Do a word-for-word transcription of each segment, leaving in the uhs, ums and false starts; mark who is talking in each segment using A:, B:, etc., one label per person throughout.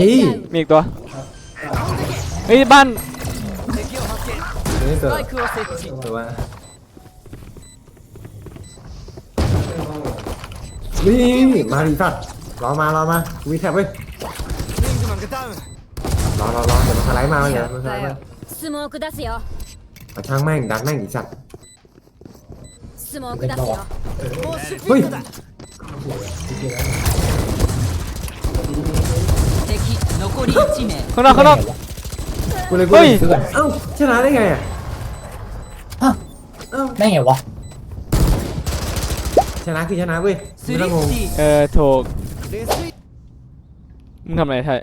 A: มีอีกตัวเฮ้ยบ้าน
B: นี่เกิดหรือว่านี่มาดิสัตว์รอมารอมาวีแท็บเว้ยรอรอรอเดี๋ยวมันสไลด์มาเดี๋ยวมันสไลด์มา
C: スモーク出すよ
B: มาช่างแม่งดันแม่งดิสัตว์
C: スモーク出すよ
B: เฮ้ย
A: ข้างนอกข้างนอก
B: กูเลยกูเลยเอ้าชนะได้ไงอ่ะ
D: ฮะได้ไงวะ
B: ชนะคือชนะเว้ยไม่ต้องงง
A: เออถูกมึงทำอะไรไทย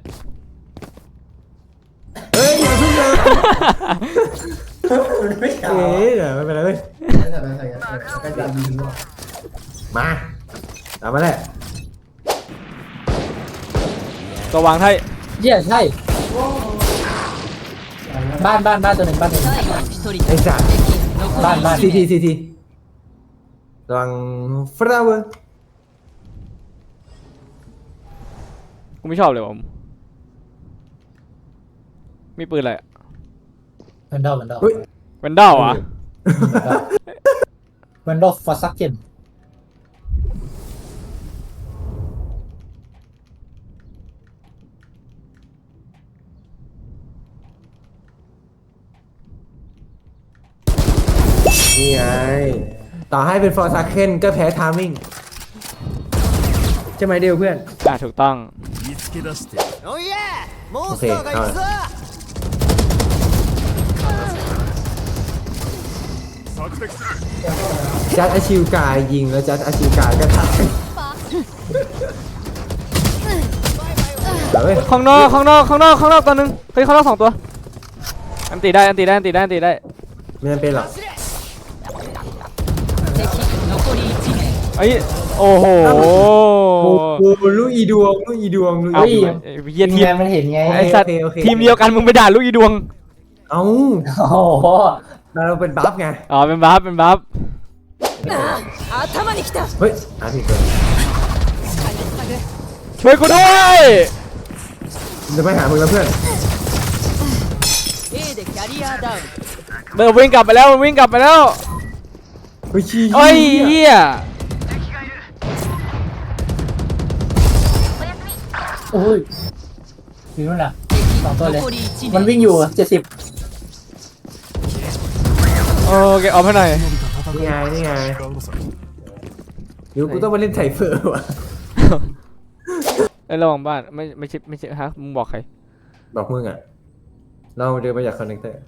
B: เฮ้ยอย่าเพิ่งนะเอ๊ะเดี๋ยวไม่เป็นไรเว้ยมาตามมาแหละ
A: ตัววางไทย
D: เยี่ยใช่บ้านบ้านบ้านตัวหนึ่งบ้านตัวหนึ่ง
B: ไอ้สัตว์
D: บ้านบ้าน
B: ซีทีซีทีระวังฟลาวเวอร์
A: กูไม่ชอบเลยผมมีปืนอะไร
D: เวนดอลเวนดอล
A: เวนดอลอ่ะ
D: เวนดอลฟอร์ซักเกน
B: นี่ไงต่อให้เป็นฟอร์ซักเคนก็แพ้ทามมิ่งใช่ไหมเดียวเพื่อน
A: อ่ะถูกต้อง
B: โอเคเอาจัดอาชิวกายยิงแล้วจัดอาชิวกายก็ตาย
A: ข้างนอกข้างนอกข้างนอกข้างนอกตัวนึงเฮ้ยข้างนอกสองตัวอันตีได้อันตีได้อันตีได้อันตีได้
B: ไม่จำเป็นหรอก
A: ไอ้โอ้โห
B: ลูกอีดวงลูกอีดวงลูก
D: อีดวง
A: เยียนทีม
D: มันเห็นไง
A: ไอ้สัตว์ทีมเดียวกันมึงไปด่าลูกอีดวง
B: เอ้า
D: โอ้โห
B: เราเป็นบัฟไง
A: อ๋อเป็นบัฟเป็นบัฟ
B: เฮ้ยอ่ะผิดเลย
A: ช่วยกูด้วย
B: จะไปหามึงแล้วเพื่อน
A: เดินวิ่งกลับไปแล้ววิ่งกลับไปแล้ว
B: เฮ้ยชี้
A: เฮ้ยเหี้ย
D: โอ้ยอยู่นู่นน่ะสองตัวเลยมันวิ่งอยู่เจ็ดสิบ
A: โอเคเอาไปหน่อย
B: นี่ไงนี่ไงเดี๋ยวกูต้องมาเล่นไถเฟอร์ว่ะ
A: ไอ้ระวังบ้านไม่ไม่ใช่ไม่ใช่ฮะมึงบอกใคร
B: บอกมึงอ่ะเราเดินไปจากคอนเนคเตอร์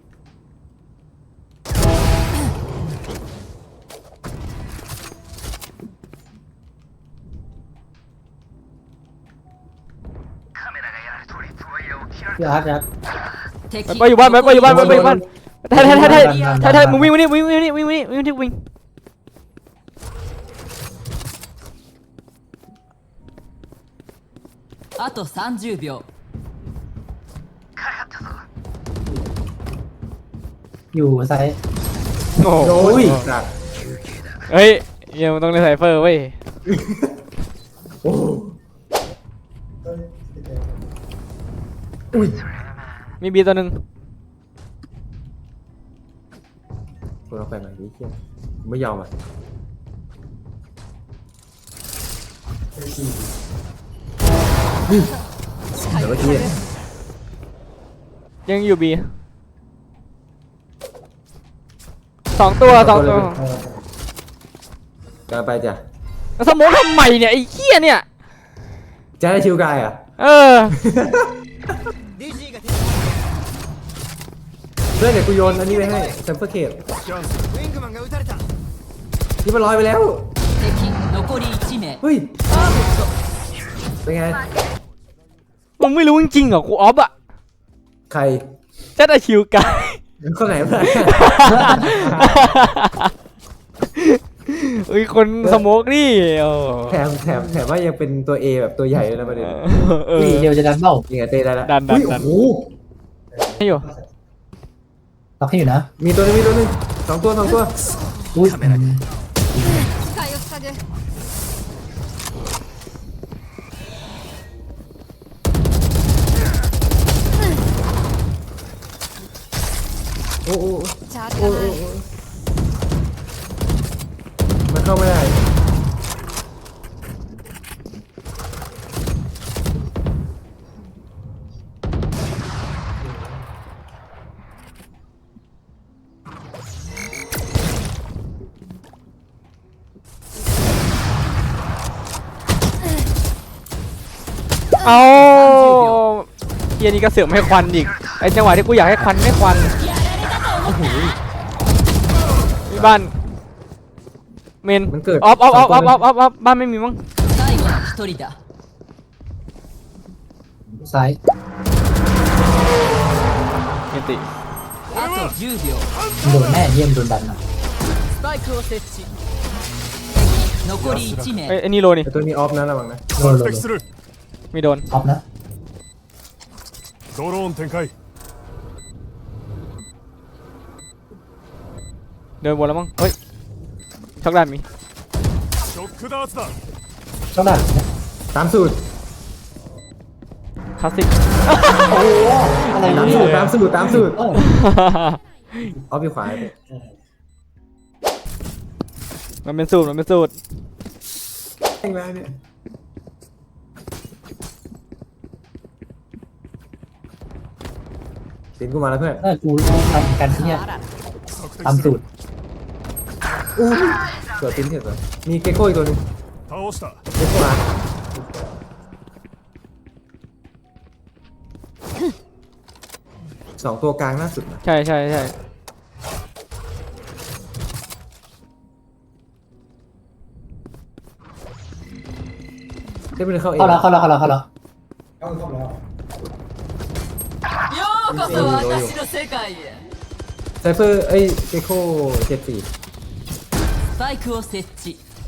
D: พี่อาร์ตครับ
A: ไปอยู่บ้านไปอยู่บ้านไปอยู่บ้านไทยไทยไทยไทยไทยไทยมึงวิ่งวิ่งวิ่งวิ่งวิ่งวิ่งวิ่งวิ่งที่วิ่ง
E: あとさんじゅうびょう
D: อยู่ไซส์
A: โอ้
B: ย
A: เฮ้ยยังต้องเล่นไซเฟอร์เว้ยมีบีตัวหนึ่ง
B: กูเราไปไหนดิเชี่ยไม่ยอมอ่ะเดี๋ยวเมื่อกี้
A: ยังอยู่บีสองตัวสองตัว
B: จะไปจ้ะ
A: สมองทำไมเนี่ยไอ้เหี้ยเนี่ย
B: จะได้ชิวกายอ่ะ
A: เออ
B: เพื่อนเดี๋ยวกูโยนอันนี้ไปให้แซมเปอร์เคทนี่มันลอยไปแล้วเฮ้ยเป็นไง
A: มึงไม่รู้จริงๆเหรอกูออฟอะ
B: ใคร
A: จัดอาชิวกาย
B: คนไหนเพื่อน
A: เอ้ยคนสโมกนี่
B: แถมแถมแถมว่ายังเป็นตัว A แบบตัวใหญ่เลยนะประเด็น
D: นี่เดียวจะดันเบ้า
B: ยังไงเตะได้แล้ว
A: ดันดันดันให้อยู่
D: ล็อกให้อยู่นะ
B: มีตัวนึงมีตัวนึงสองตัวสองตัว
D: อุ้ย
B: อ้โอ้
C: チャージ
B: โอ้
C: が
B: โอ้
C: ない
B: โอ้มันเข้าไม่ได้
A: เอาเฮียนี่ก็เสือกไม่ให้ควันอีกไอจังหวะที่กูอยากให้ควันไม่ควันมีบ้านเมน
B: มันเกิด
A: ออฟออฟออฟออฟออฟออฟออฟบ้านไม่มีมั้ง
E: 最後の一人だ
D: ซ้าย
A: เมนติ
E: あとじゅうびょう
D: โดนแน่เยี่ยมโดนดันอ่ะ
E: スパイクを設置残りいち
A: เอ้ย
E: 名
A: ไอ้นี่โลนี่
B: แต่ตัวนี้ออฟนะระวังนะ
D: โดนโดน
F: 敵する
A: ไม่โดน
D: ออฟนะ
F: ドローン展開
A: เดินวนแล้วมั้งเฮ้ยช็อกด้านมี
F: ショックダーツだ
D: ต้องดันนะ
B: ตามสูตร
A: คลาสสิก
D: โอ้โหอะไร
B: ตาม
D: เนี่
B: สูตร
D: ย
B: ตามสูตรตามสูตร
D: เออ
B: ออฟอยู่ขวาไป
A: มันเป็นสูตรมันเป็นสูตร
B: แรงไรเนี่ยสินกูมาแล้วเพื่อน
D: เออกูทำกันเนี่ย
F: 索敵
D: ตาม
F: す
D: สู
F: る
D: ตร
B: อู้เกิดติ้นเถอะก่อนมีเกโก้อีกตัวหนึง
F: 倒した
B: เกโก้มาสองตัวกลางล่าสุดนะ
A: ใช่ใช่ใช่
B: ได้ไปเลยเข้าเอง
D: เข้าแล้วเข้าแล้วเข้าแล้วเข้าแล้ว
E: ようこそ私の世界へ
B: ไซเฟอร์เอ้ยเกโก้เจ็ดสี่
E: スパイクを設置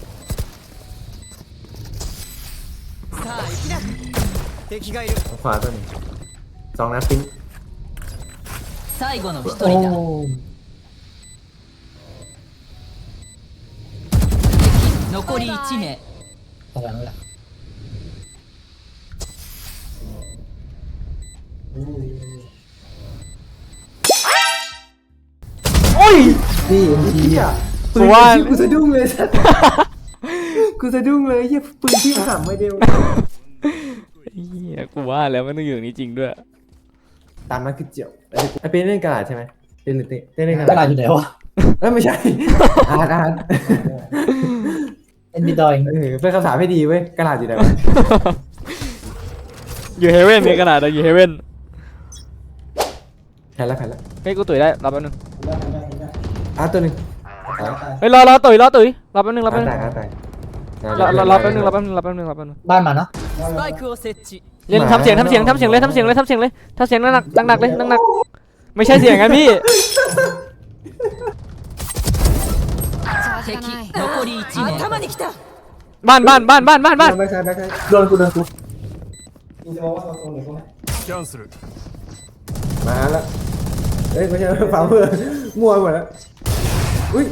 E: さあ行きな敵がいる
B: ขวาตัวหนึงสองนัดปิ้น
E: 最後の一
D: โอ้
E: 人だ残りいち名
D: ตรงนั้นแหละ
A: โอ้ย
B: นี่เอ็มจีอ่ะ
A: กูว่า
B: กูสะดุ้งเลยสัสกูสะดุ้งเลยเฮียปืนที่ห่ำไม่เดียว
A: เฮียกูว่าแล้วมันต้องอยู่อย่างนี้จริงด้วย
B: ตามนั้นคือเจียวไอเป็นเล่นกระดาษใช่ไหมเป็นหรือเต้เต้นเล่นกระ
D: กระดา
B: ดา
D: ษ
B: ษ
D: อยู่ไหนวะ
B: เอ้ยไม่ใช่ อาร์ตอาร์ต
D: เอ็นบีดอย
B: เออเป็นคำถามให้ดีเว้ยกระดาษอยู่ไหนวะ
A: อยู่เฮเว่นมีขนาดอยู่เฮเว่น
B: แพ้แล้วแพ้แล้ว
A: เฮ้ยกูตุ๋ยได้รอแป๊บนึง
B: อาร์ตตัวหนึง
A: เฮ้ยรอรอตุ๋ยรอตุ๋ยรอแป๊บนึงรอ
B: อา
A: แป๊
B: ร์
A: บ
B: ต
A: นึง
B: แตกอาร์ตแตก
A: รอรอรอแป๊บนึงรอแป๊บนึงรอแป๊บนึงรอแป๊บนึง
D: บ้านมาเนาะ
E: スパイクを設置
A: เล่นทำเสียงทำเสียงทำเสียงเลยทำเสียงเลยทำเสียงเลยทำเสียงหนักหนักๆเลยหนักๆไม่ใช่เสียงกันพี่
C: チャージが
E: 敵
C: ない
E: 残りいち名頭に来た
A: บ้านบ้านบ้านบ้านบ้านบ้าน
B: แบ็คไซด์แบ็คไซด์
D: โดนกูโดนกู
F: キャンセル
B: มาแล้วเอ้ยไม่ใช่ฝ่ามือมั่วหมดแล้วอุ้ย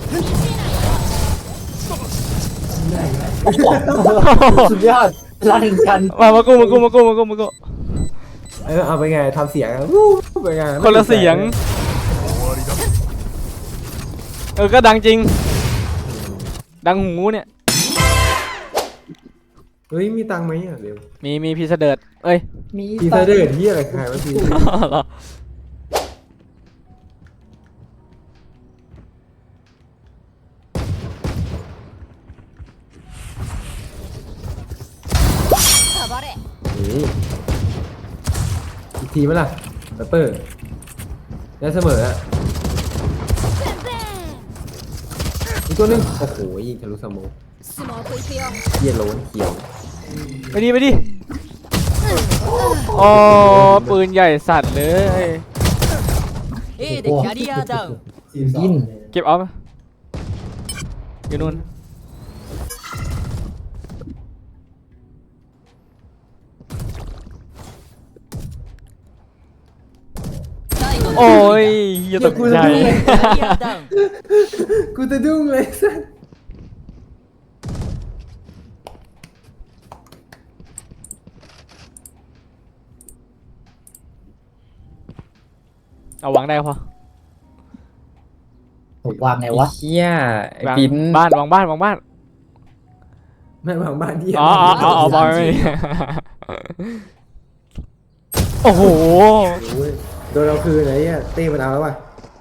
D: สุดยอดรันกัน
A: มามากูมากูมากูมากูมากู
B: เออเอาไปไงทำเสียงอะวู้ไปไง
A: คนละเสียง
F: 終わりだ
A: เออก็ดังจริง ดังหูเนี่ย
B: เฮ้ยมีตังค์ไหมอ่ะเดี๋ยว
A: มีมีพีเสดิร์ดเอ้ย
D: มี
B: พีเซอร์เดอร์ที่อะไรใครวะพี
A: เหรอ
C: サバレ
B: นี่อีกทีไหมล่ะแรปเปอร์ได้เสมออะอีกตัวหนึงโอ้โหยิงทะลุสโมอง
C: スモークいくよ
B: เขียโล้นเขียว
A: ไปดิไปดิอ๋อปืนใหญ่สัตว์เลย
E: A でキャリアダウン
D: ยิน
A: เก็บเอาไหมอยู่นู่น
E: 最後の
A: โอ้
E: 一
A: ย
E: 人
A: เหี้ยตกใจ
E: だキャリアダウン
B: กูจะดุ้งเลยสัส
A: เอาวางได้พอ
D: วางไงวะ
G: เฮียไอ้
A: วาง
G: ปิ้น
A: บ้านวางบ้านวางบ้าน
B: แม่งวางบ้านที่
A: อ๋ออ๋ออ๋ออ๋อบอลไม่มีโอ้โห
B: โอ้ยโดนเราคืนไหนเนี่ยเต้มันเอาแล้วว่ะ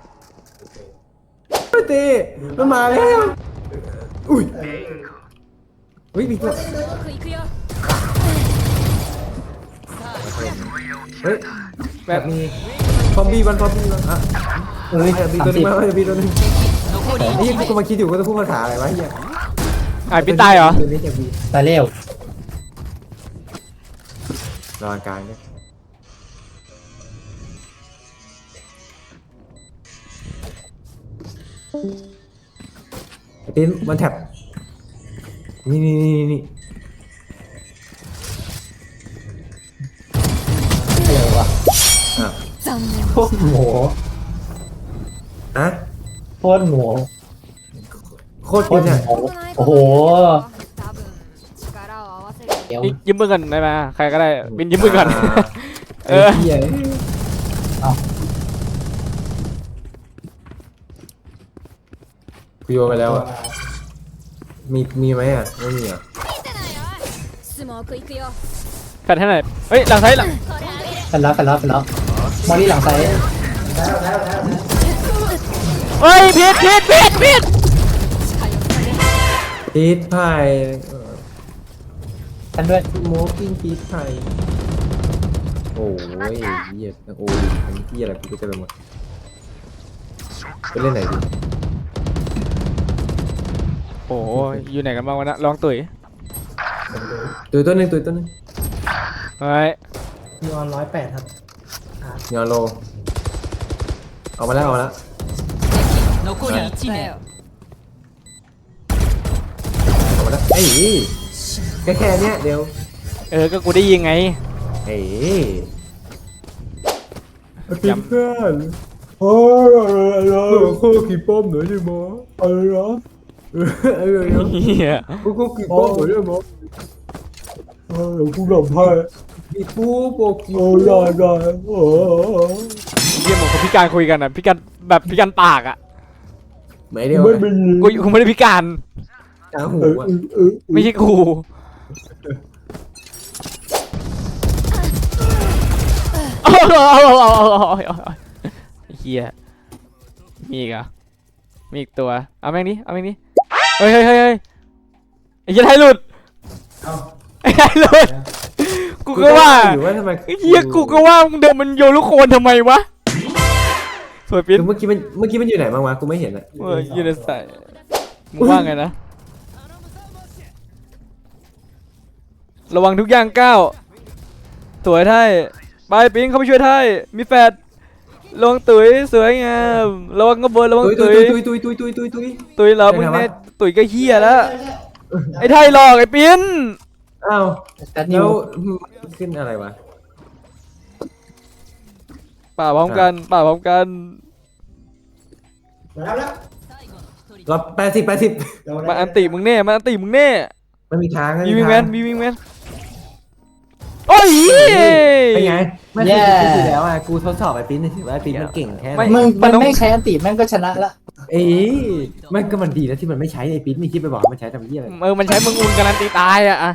B: เฮ้ยเต้มันมาแล้วอุ้ยอุ้ยมีตัว
C: スモーク行くよ
B: เฮ้ยแบบมีฟอมบี้วันฟอมบี้วันอ่ะ
D: เอ้ย
B: แบบมี
D: สาม
B: ตัวนึ
D: สิ
B: ง
D: บ
B: มาแบบมีตัวนึง
E: 残り
B: ไอ้
E: 1
B: ยี่กูมาคิดอยู่ว่าจะพูดภาษาอะไรวะเฮีย
A: ไอ้พี่ตายเหรอ
B: ตัวนี้จะมี
D: ตายเร็ว
B: รออาการเนี่ยไอ้ปิ้นมันแท็บนี่นี่นี่นี่
D: เร็วว่ะ
B: อ่ะ
C: 残念
D: โคตรหมู
B: อ่ะ
D: โคตรหมู
B: โคตร
D: โค
B: ปิ้
D: ต
B: น
D: ร
B: อ่ะ
D: หมูโอ้โห
C: 多分力を合わせる
D: เดี๋ยว
A: ยืมมือก่อนได้ไหมใครก็ได้บินยืมมือก่อน
B: เออเฮีย
D: เอา
B: กูโยนไปแล้วอ่ะมีมีไหมอ่ะไม่มีอ่ะ
C: スモーク行くよ
A: แฟนให้หน่อยเฮ้ยหลังไซด์หลัง
C: これあげる
D: กันแล้วกันแล้วกันแล้วมอนี่หลังไซด์
A: เฮ้ยผิดผิดผิดผิด
B: พีทไผ่
D: กันด้วย
B: โมกิ้งพีทไผ่โอ้ยเหี้ยโอ้ยอันนี้ที่อะไรกูก็จะไปหมดไปเล่นไหนดี
A: โอ้ยอยู่ไหนกันบ้างวะนะลองตุ๋ย
B: ตัวตัวหนึ่งตัวตัวหนึ่ง
A: เฮ้ย
D: มีออนร้อยแปดครับ
B: ยอนโลเอามาแล้วเอามาแล้ว
E: 残り1名
B: เอามาแล้วเอ้ยแค่แค่เนี้ยเดี๋ยว
A: เออก็กูได้ยิงไง
B: เอ้ย
A: ย้ำ
B: เพื่อนโอ้ยโคกี่ป้อมหน่อยดิมออะไรเหรอเออเออ
A: เฮีย
B: กูกูกี่ป้อมหน่อยดิมอเออกูหลับให้มีปูโปกิโอ้ยได้โอ้
A: เฮียเหมือนคนพิการคุยกันอ่ะพิการแบบพิการปากอ่ะ
B: ไม่เดียว
A: กูกูไม่ได้พิการ
B: ตาหูอ่ะ
A: ไม่ใช่กูเอาเอาเอาเอาเอาเอาเอาเฮียมีอีกเหรอ่ะมีอีกตัวเอาแม่งนี้เอาแม่งนี้เฮ้ยเฮ้ยเฮ้ยเฮ้ยไอ้เหี้ยไทยหลุดไอ้ไทยหลุดกูก็ว่า
B: อยู่ว่าทำไม
A: เฮียกูก็ว่ามึงเดินมันโยนลูกโคนทำไมวะสวยปิ๊น
B: เมื่อกี้มันเมื่อกี้มันอยู่ไหนบ้างวะกูไม่เห็นอ่ะ
A: เอออยู่ในสายมึงว่าไงนะระวังทุกอย่างก้าวสวยไทยไปปิ๊งเข้าไปช่วยไทยมีแฟดระวังตุ๋ยสวยงามระวังกระเบิดระวัง
B: ตุยตุ
A: ตุ๋
B: ย
A: ย
B: ตุยตุยตุยตุยตุยตุย
A: ตุ๋ยเหรามึงเนี่ยตุ๋ยก็เฮียแล้วไอ้ไทยหลอกไอ้ปิ๊น
B: อ้าว
D: แต่นิ
B: แล้ว วขึ้นอะไรวะ
A: ป่าพร้อมกันป่าพร้อมกัน
B: รับแปดสิบแปดสิบ
A: มาอันติมึงแน่มาอันติมึงแน่
B: มันมีทาง
A: มีวิงแมนมีวิงแมนโอ้ย
B: เป็นไงไม่เคยคิดอยู่แล้วอ่ะกูทดสอบไอ้ปิ้นถือว่าไอ้ปิ้นมันเก่งแค่ไหน
D: มึงมันไม่ใช้อันติแม่งก็ชนะละ
B: เอ้ยมันก็มันดีแล้วที่มันไม่ใช้ไอ้ปิ้นนี่คิดไปบอกมันใช้ทำเหี้ยอะไร
A: เออมันใช้มึงอุ่นการันตีตายอะอะ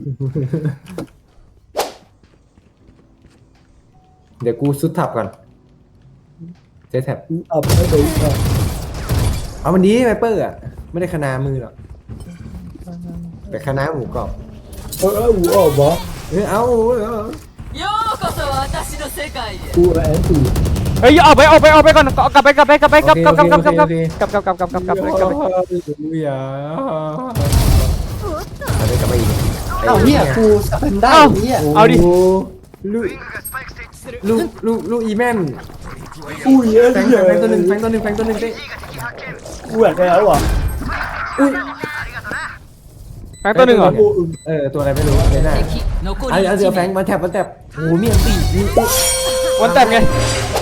B: เดี๋ยวกูซุดทับก่อนเซตแท็บ
D: เอาไปเลย
B: เอามันดีไวเปอร์อ่ะไม่ได้คณามือหรอกแต่คณาหมูกรอบ
D: เอออูออกบอ
B: เออเอาเอา
E: ようこそ私の世界へ
D: กูแอนตี
A: เฮ้ยออกไปออกไปออกไปก่อนกลับไปกลับไปกลับไปกลับกลับกลับกลับกลับกลับ
B: โอเค
A: กลับกลับกลับกลับกลับกลับกลับกลับ
B: อย่าอะไรกลับไปอีก
D: เอ้าเฮียกูสเปนได้เฮีย
A: เอาดิ
B: ลูกลูกลูกลูกอีแมน
D: อุ้ยเอ้ย
B: แฟงแฟงตัวหนึ่งแฟงตัวหนึ่งแฟงตัวหนึ่งได้
D: กูอยากได้แล้วอ่ะ
A: แฟงตัวหนึ่งเหรอ
B: เออตัวอะไรไม่รู้ไม่น่า
E: 敵残
B: เอา
E: り
B: เอาเสือ
E: 1
B: แฟง
E: 名
B: มาแท็บมาแท็บโอ้โหมีอันตีมี
A: วันแต้มไง